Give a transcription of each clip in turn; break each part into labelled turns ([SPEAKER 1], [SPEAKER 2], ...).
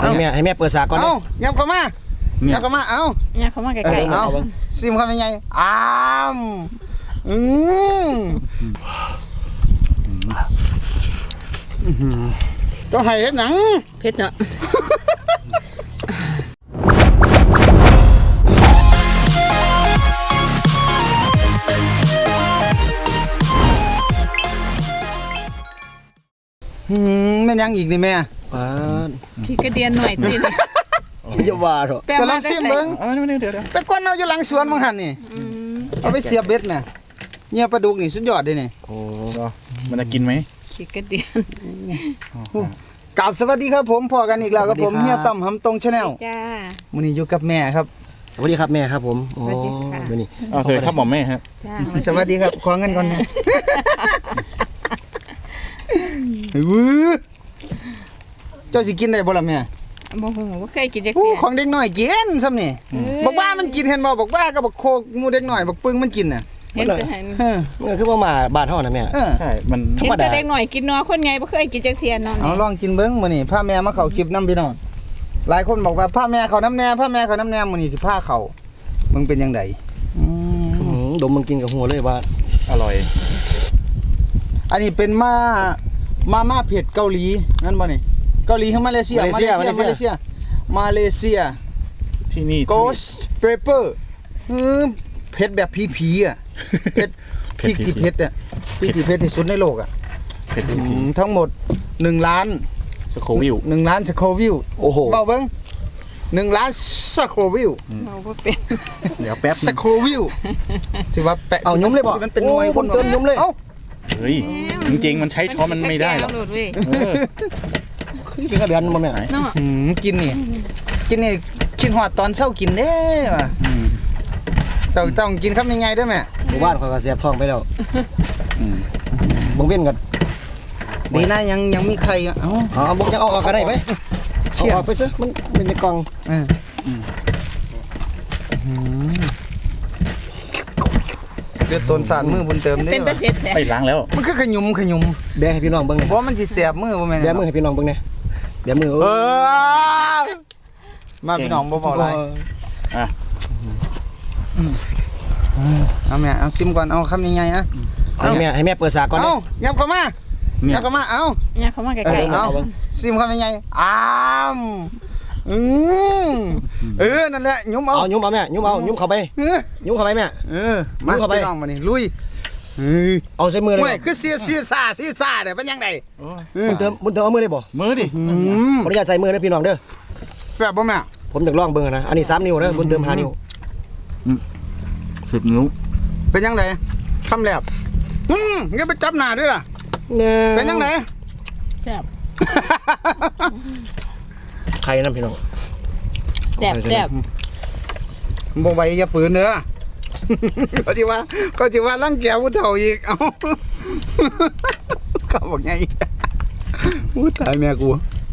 [SPEAKER 1] ให้แม่เปิดสากก่อน
[SPEAKER 2] เอายับเข้ามายับเข้ามาเอา
[SPEAKER 3] เนี่ยเขามาไกลๆ
[SPEAKER 2] เอาซิมเข้าไปไงก็ให้เฮ็ดหนัง
[SPEAKER 3] เผ็ดเนาะ
[SPEAKER 2] แม่ยังอีกนี่แม่
[SPEAKER 3] ขี้กระเดียนหน่อยติ
[SPEAKER 1] จะว่าเถอะ
[SPEAKER 2] จะลองซิมเบิ้งเดี๋ยวไปก้นเอาอยู่หลังสวนมังหันนี่เอาไปเสียบเบ็ดน่ะเนี่ยปลาดุกนี่สุดยอดเลยนี่
[SPEAKER 4] โอ้มันจะกินไหม
[SPEAKER 3] ขี้กระเดียน
[SPEAKER 2] กราบสวัสดีครับผมพอกันอีกแล้วครับผมเฮียต่ำหำตรงชาแนล
[SPEAKER 3] จ้า
[SPEAKER 2] มื้อนี้อยู่กับแม่ครับ
[SPEAKER 1] สวัสดีครับแม่ครับผม
[SPEAKER 3] โอ้
[SPEAKER 1] มื้อนี้
[SPEAKER 4] สวัสดีครับหมอแม่ครับ
[SPEAKER 2] สวัสดีครับขอเงินก่อนนะเจ้าสิกินได้บ่ล่ะแม่
[SPEAKER 3] บ่ฮู้บ่เคยกินจัก
[SPEAKER 2] ของเด็กน้อยกินซ้ำนี่บอกว่ามันกินเห็นบ่บอกว่าก็บอกโคกงูเด็กน้อยบอกปึ้งมันกินน่ะ
[SPEAKER 3] เห็นแต่
[SPEAKER 1] มันคือว่ามาบ้านเฮาน่ะแม่
[SPEAKER 4] ใช่มัน
[SPEAKER 3] ธรรมดาเด็กน้อยกินนัวคนใหญ่บ่เคยกินจักเที่ยนอน
[SPEAKER 2] เอาลองกินเบิ่งมื้อนี้พาแม่มาเข้าคลิปนำพี่น้องหลายคนบอกว่าพาแม่เข้าน้ำแน่พาแม่เข้าน้ำแน่มื้อนี้สิพาเข้ามึงเป็นจังได
[SPEAKER 1] ดมมึงกินกับหัวเลยว่า
[SPEAKER 4] อร่อย
[SPEAKER 2] อันนี้เป็นมาเผ็ดเกาหลีนั่นบ่นี่เกาหลีหรือมาเลเซียมาเลเซีย
[SPEAKER 4] ที่นี่
[SPEAKER 2] Ghost Pepper เผ็ดแบบผีๆอ่ะเผ็ดพริกที่เผ็ดอ่ะพริกที่เผ็ดที่สุดในโลกอ่ะ
[SPEAKER 4] เผ็ด
[SPEAKER 2] ทั้งหมด1ล้าน
[SPEAKER 4] สโควิล
[SPEAKER 2] 1ล้านสโควิล
[SPEAKER 1] โอ้โห
[SPEAKER 2] เบาเบิ่ง1ล้านสโควิล
[SPEAKER 3] เอาบ่เป็น
[SPEAKER 4] เดี๋ยวแป๊บ
[SPEAKER 2] สโควิลถือว่าแปะ
[SPEAKER 1] เอายุ้มเลยบ่
[SPEAKER 2] มันเป็นหน่วย
[SPEAKER 1] คนเติมยุ้มเลย
[SPEAKER 4] เฮ้ยจริงๆมันใช้ช้อนมันไม่ได้หรอก
[SPEAKER 1] คือกินกระเดือนบ่แม่
[SPEAKER 2] กินนี่กินหอดตอนเช้ากินเด้ว่ะต้องกินครับยังไงด้วยแม่
[SPEAKER 1] หมู่บ้านเขาก็เสียบท้องไปแล้วบ่เว้นกัน
[SPEAKER 2] ดีนะยังมีใคร
[SPEAKER 1] บ่จะเอาออกกันได้มั้ยเชี่ยออกไปซะมันเป็นในกล่อง
[SPEAKER 2] เดือดต้นสารมือบุญเติมได้
[SPEAKER 4] ไปล้างแล้ว
[SPEAKER 2] มันคือขยุม
[SPEAKER 1] แบะให้พี่น้องเบิ่ง
[SPEAKER 2] เพราะมันสิแสบมือบ่แม่น
[SPEAKER 1] แบะมือให้พี่น้องเบิ่งแน่แบะมือ
[SPEAKER 2] มาพี่น้องบ่เว้าหลายเอาแม่เอาซิมก่อนเอาคำยังไงนะ
[SPEAKER 1] ให้แม่เปิดสากก่อน
[SPEAKER 2] เอายับเข้ามาเอา
[SPEAKER 3] เนี่ยเขามาไกลๆ
[SPEAKER 2] เอาซิมคำยังไงนั่นแหละยุ้มเอา
[SPEAKER 1] แม่ยุ้มเข้าไปแม่
[SPEAKER 2] มาเข้าไปน้องมานี่ลุย
[SPEAKER 1] เอาใส่มือเลย
[SPEAKER 2] ไม่คือเสียซ่าเนี่ยเป็นยังไง
[SPEAKER 1] บุญเติมเอามือได้บ่
[SPEAKER 4] มือดิ
[SPEAKER 1] ขออนุญาตใส่มือนะพี่น้องเด้อ
[SPEAKER 2] แซ่บบ่แม่
[SPEAKER 1] ผมจะลองเบิ่งนะอันนี้3นิ้วนะบุญเติม5นิ้ว
[SPEAKER 4] 10 นิ้ว
[SPEAKER 2] เป็นยังไงทำแลบงั้นไปจับหน้าด้วยล่ะเป็นยังไง
[SPEAKER 3] แซ่บ
[SPEAKER 1] ใครนะพี่น้อง
[SPEAKER 3] แซ่บ
[SPEAKER 2] บ่ไหวอย่าฝืนเด้อก็สิว่ารังแกผู้เฒ่าอีกเอ้าเขาบอกไงอู้ตายแม่กู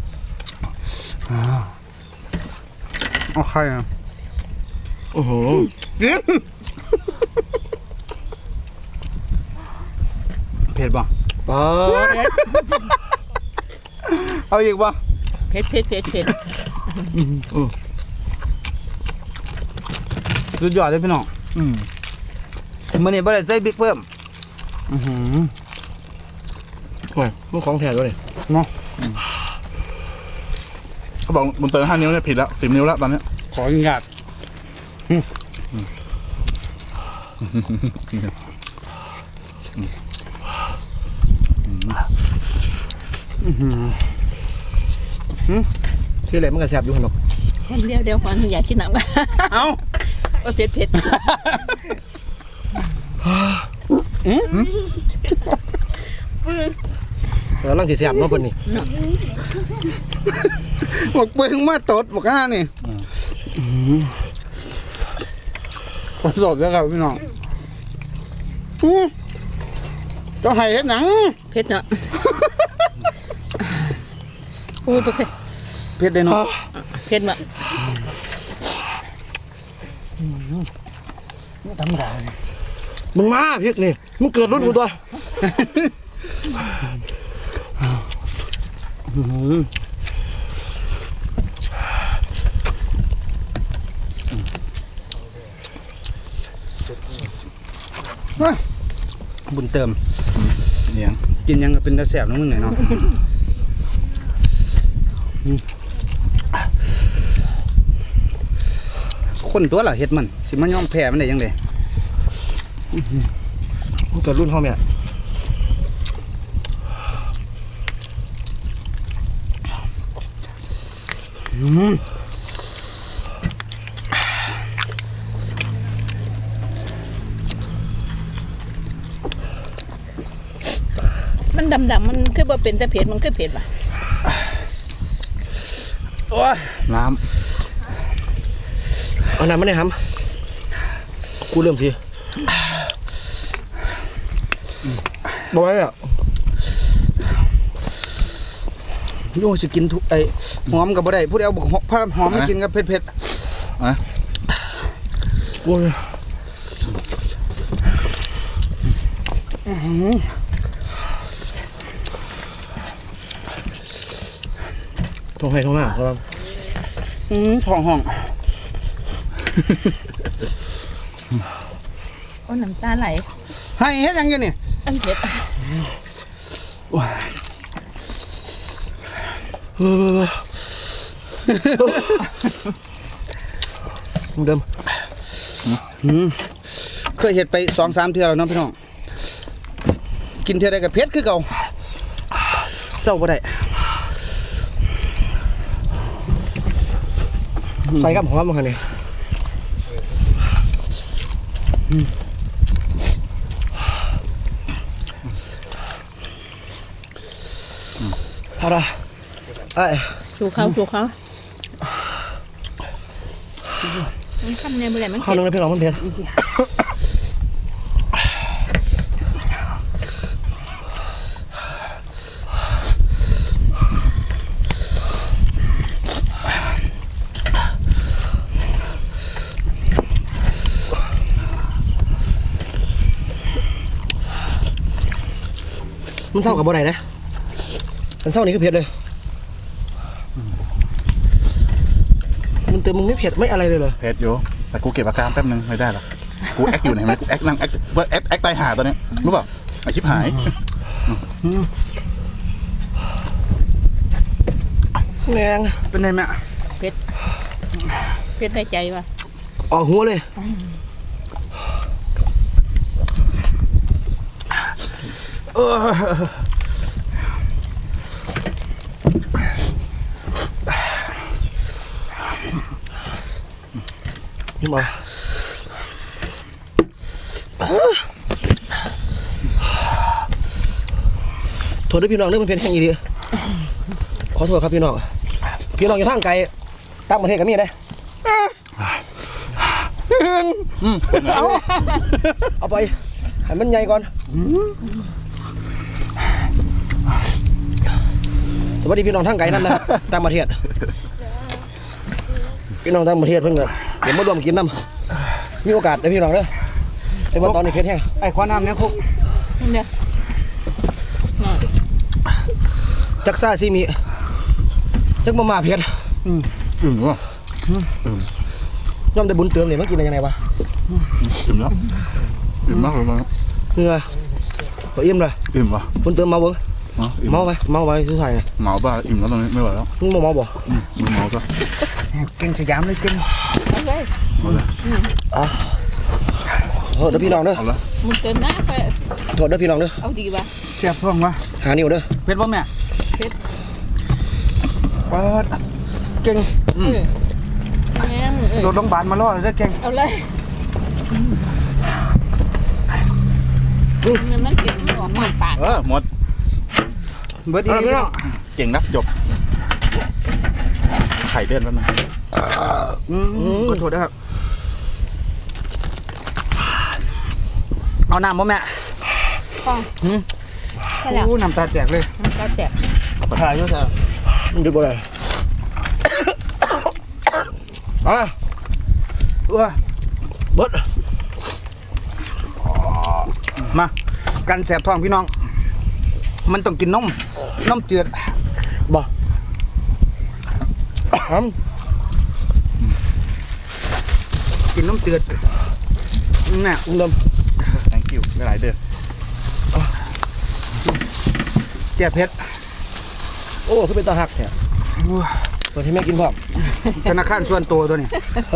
[SPEAKER 2] เอาใครอ่ะ
[SPEAKER 1] โอ้โห
[SPEAKER 2] เผ็ดป่ะเอาอีกป่ะ
[SPEAKER 3] เผ็ด
[SPEAKER 2] สุดยอดเลยพี่น้องมื้อนี้บ่ได้ใส่บิ๊กเพิ่ม
[SPEAKER 1] โอ้ยมันของแท้ด้วย
[SPEAKER 2] เนาะ
[SPEAKER 4] เขาบอกบนเตอร์5 นิ้วเนี่ยผิดแล้ว10 นิ้วแล้วตอนนี้
[SPEAKER 2] ขออนุญาต
[SPEAKER 1] ที่อะไรมันก็แซ่บอยู่ขนม
[SPEAKER 3] เดี๋ยวขออนุญาตกินน้ำกัน
[SPEAKER 2] เอา
[SPEAKER 3] เผ็ด
[SPEAKER 1] ลังสิแซ่บเนาะเพิ่นนี่
[SPEAKER 2] บอกเบิ่งมาตดบอกห่านี่ขอสดแล้วครับพี่น้องก็ให้เฮ็ดหนัง
[SPEAKER 3] เผ็ดเนาะโอ้ย
[SPEAKER 2] เผ็ดได้เนาะ
[SPEAKER 3] เผ็ดมาก
[SPEAKER 2] ธรรมดา
[SPEAKER 1] มึงมาพริกนี่มึงเกิดรุ่นกูตัว
[SPEAKER 2] บุญเติม
[SPEAKER 4] เนี่ย
[SPEAKER 2] กินยังก็เป็นตาแสบน้องมึงเนาะคนตัวล่ะเฮ็ดมันสิมันยอมแพ้มันได้ยังไง
[SPEAKER 1] เกิดรุ่นเฮาแม่
[SPEAKER 3] มันดำๆมันคือบ่เป็นแต่เผ็ดมันคือเผ็ดว่ะ
[SPEAKER 2] โอ้ย
[SPEAKER 4] น้
[SPEAKER 1] เอาน้ำมาได้ครับกูเริ่มสิบอกไว้อะ
[SPEAKER 2] โอ้ยสิกินทุกไอ้หอมกับบ่ได้ผู้ใดเอาบักหอมมากินกับเผ็ด
[SPEAKER 4] ำอ่ะ
[SPEAKER 1] กูท้องให้ท้องหน้าครับ
[SPEAKER 2] ๆท้องห้อง
[SPEAKER 3] โอ้น้ำตาไหล
[SPEAKER 2] ให้เฮ็ดหยังอยู่นี่
[SPEAKER 3] อันเผ็ด
[SPEAKER 1] เดิม
[SPEAKER 2] เคยเฮ็ดไป 2-3 เทื่อแล้วเนาะพี่น้องกินเทื่อใดก็เผ็ดคือเก่าเศร้าบ่ได้
[SPEAKER 1] ใส่กับหอมมาคันนี้พอละไอ้
[SPEAKER 3] ชูเขามันคำเนี่ยบ่ได้มัน
[SPEAKER 1] ข้าว
[SPEAKER 3] เผ็ด
[SPEAKER 1] นึงเลยพี่น้องมันเผ็ดมันเศร้ากับบ่ได้นะมันเศร้านี่คือเผ็ดเลยมันเติมมึงไม่เผ็ดไม่อะไรเลยเหรอ
[SPEAKER 4] เพชรอยู่แต่กูเก็บอาการแป๊บนึงไม่ได้หรอกกูแอคอยู่ไหนไหมกูแอคนั่งแอคว่าแอคตายหาตอนนี้รู้เปล่าไอชิบหาย
[SPEAKER 1] แรง
[SPEAKER 2] เป็นไงแม่
[SPEAKER 3] เผ็ดในใจว่ะ
[SPEAKER 1] ออกหัวเลยนี่มาโทษด้วยพี่น้องเรื่องมันเป็นแห่งอีดีขอโทษครับพี่น้องพี่น้องอยู่ทางไกลต่างประเทศก็มีได้เอาไปให้มันใหญ่ก่อนสวัสดีพี่น้องทางไกลนั่นนะต่างประเทศพี่น้องต่างประเทศเพิ่งเดี๋ยวมารวมกินน้ำมีโอกาสได้พี่น้องเด้อแต่ว่าตอนนี้เพชรแห้ง
[SPEAKER 2] ไอ้ขวาน้ำเนี่ยคุก
[SPEAKER 3] นี่เด้อ
[SPEAKER 1] จักซ่าซีมีจักมาเพชร
[SPEAKER 4] อิ่มวะ
[SPEAKER 1] ย่อมได้บุญเติมเนี่ยมันกินได้ยังไงวะ
[SPEAKER 4] อิ่มแล้วอิ่มมากเลยมั้ง
[SPEAKER 1] เหงื่อพออิ่มเลย
[SPEAKER 4] อิ่มวะ
[SPEAKER 1] บุญเติมเมาเบิ้ง
[SPEAKER 4] อิ่ม
[SPEAKER 1] เมาไปสุดท้ายไง
[SPEAKER 4] เมาบ้าอิ่มแล้วตอนนี้ไม่ไหวแล้ว
[SPEAKER 1] มึงบ่เมาบ่
[SPEAKER 4] มึงเมาซะ
[SPEAKER 2] เก่งสยามเลยเก่ง
[SPEAKER 3] เอาเลย
[SPEAKER 1] โทษเด้อพี่น้องเด้อ
[SPEAKER 4] เอาละ
[SPEAKER 3] มึงเติมนะไป
[SPEAKER 1] โทษเด้อพี่น้องเด้อ
[SPEAKER 3] เอาดีว่ะ
[SPEAKER 2] เสียบท้องวะ
[SPEAKER 1] หานิ้วเด้อ
[SPEAKER 2] เผ็ดบ่แม่
[SPEAKER 3] เผ็ด
[SPEAKER 2] เปิดเก่ง
[SPEAKER 3] แม่ง
[SPEAKER 2] โดดโรงพยาบาลมารอเลยเด้อเก่ง
[SPEAKER 3] เอาเลยมันเผ็ดมันออกมาปาก
[SPEAKER 4] หมด
[SPEAKER 2] เบิดอีนี่พี่น้อง
[SPEAKER 4] เก่งนักจบไข่เลื่อนแป๊บนึง
[SPEAKER 2] ขอโทษนะครับเอาน้ำบ่แม่
[SPEAKER 3] ใช่แล้ว
[SPEAKER 2] น้ำตาแตกเลย
[SPEAKER 3] มันก็แตก
[SPEAKER 1] ถ่ายอยู่ซะมันดูบ่ได้เอาล่ะ เบิด
[SPEAKER 2] มากันแสบท้องพี่น้อง มันต้องกินนมเจือด
[SPEAKER 1] บ่หอม
[SPEAKER 2] กินนมเจือดแม่
[SPEAKER 1] อุ้มดม
[SPEAKER 4] thank you หลายเด้อ
[SPEAKER 2] แก้เผ็ด
[SPEAKER 1] โอ้คือเป็นตาหักเนี่ยเปิดให้แม่กินพร้อม
[SPEAKER 2] ธนาคารส่วนตัวตัวนี้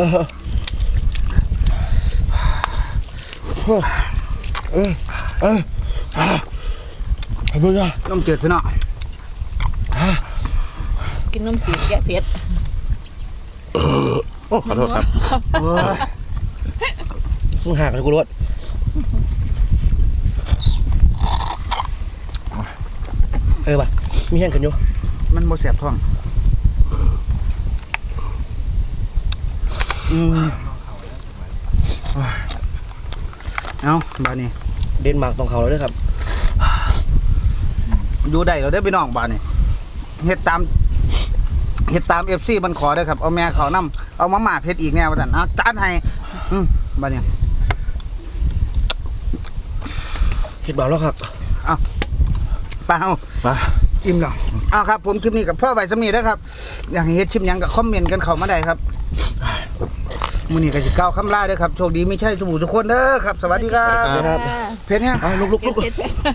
[SPEAKER 1] ให้เบิ่งอ่ะ
[SPEAKER 2] น้ำจืดพี่น้อง
[SPEAKER 3] กินนมจีบแก้เผ็ด
[SPEAKER 4] โอ้ขอโทษครับ
[SPEAKER 2] โอ้ย
[SPEAKER 1] มึงหักเลยกูรถป่ะมีแห้งกันอยู่
[SPEAKER 2] มันบ่แสบท้องเอาบาดนี้
[SPEAKER 1] เดนมาร์กต้องเขาแล้วด้วยครับ
[SPEAKER 2] อยู่ได้เราได้พี่น้องบาดนี้เฮ็ดตาม FC มันขอเด้อครับเอาแม่เขานำเอามาม่าเผ็ดอีกแนวว่าซั่นเอาจานให้บาดนี้
[SPEAKER 1] เห็ดเบาแล้วครับ
[SPEAKER 2] ไปเฮา
[SPEAKER 4] มา
[SPEAKER 2] อิ่มแล้วเอาครับผมคลิปนี้กับพ่อใบสำนีนะครับอยากให้เฮ็ดชิมหยังก็คอมเมนต์กันเข้ามาได้ครับมื้อนี้ก็สิก้าวคำลาเด้อครับโชคดีไม่ใช่สบู่ทุกคนเด้อครับสวัสดีครับ
[SPEAKER 1] ครับ
[SPEAKER 2] เผ็ดแฮง
[SPEAKER 1] เอาลุก
[SPEAKER 3] เผ็ด